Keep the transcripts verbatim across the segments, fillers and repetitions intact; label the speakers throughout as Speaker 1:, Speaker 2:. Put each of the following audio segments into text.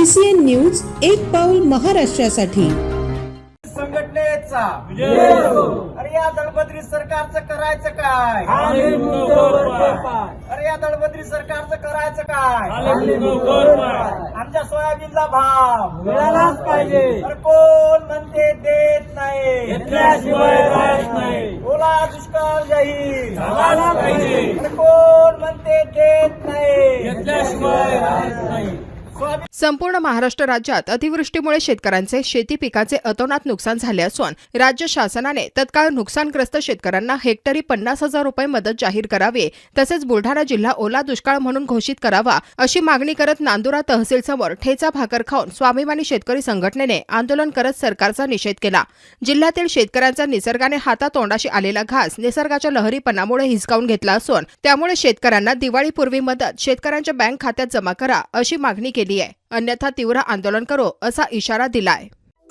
Speaker 1: CCN news, एक पाऊल महाराष्ट्रासाठी।
Speaker 2: संघटनेचा अरे या दळबद्री सरकारचं करायचं काय? अरे या दळबद्री सरकारचं करायचं काय? आमच्या सोयाबीनला भाव मिळालाच पाहिजे। अरे कोण म्हणते देत नाही, ओला दुष्काळ जाहीर झाला पाहिजे। अरे कोण म्हणते देत नाही।
Speaker 3: संपूर्ण महाराष्ट्र राज्यात अतिवृष्टीमुळे शेतकऱ्यांचे शेती पिकाचे अतोनात नुकसान झाले असून राज्य शासनाने तत्काळ नुकसानग्रस्त शेतकऱ्यांना हेक्टरी पन्नास हजार रुपये मदत जाहीर करावी, तसेच बुलढाणा जिल्हा ओला दुष्काळ म्हणून घोषित करावा अशी मागणी करत नांदुरा तहसील समोर ठेचा भाकर खाऊन स्वाभिमानी शेतकरी संघटनेने आंदोलन करत सरकारचा निषेध केला। जिल्ह्यातील शेतकऱ्यांचा निसर्गाने हातातोंडाशी आलेला घास निसर्गाच्या लहरीपणामुळे हिसकावून घेतला असून त्यामुळे शेतकऱ्यांना दिवाळीपूर्वी मदत शेतकऱ्यांच्या बँक खात्यात जमा करा अशी मागणी केली आहे, अन्यथा तीव्र आंदोलन करो असा इशारा दिलाय।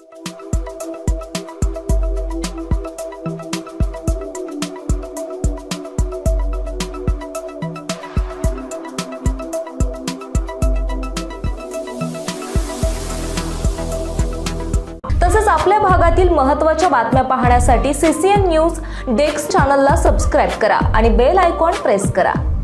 Speaker 4: तसेच आपल्या भागातील महत्त्वाच्या बातम्या पाहण्यासाठी सीसीएन न्यूज डेस्क चॅनलला सबस्क्राइब करा आणि बेल आयकॉन प्रेस करा।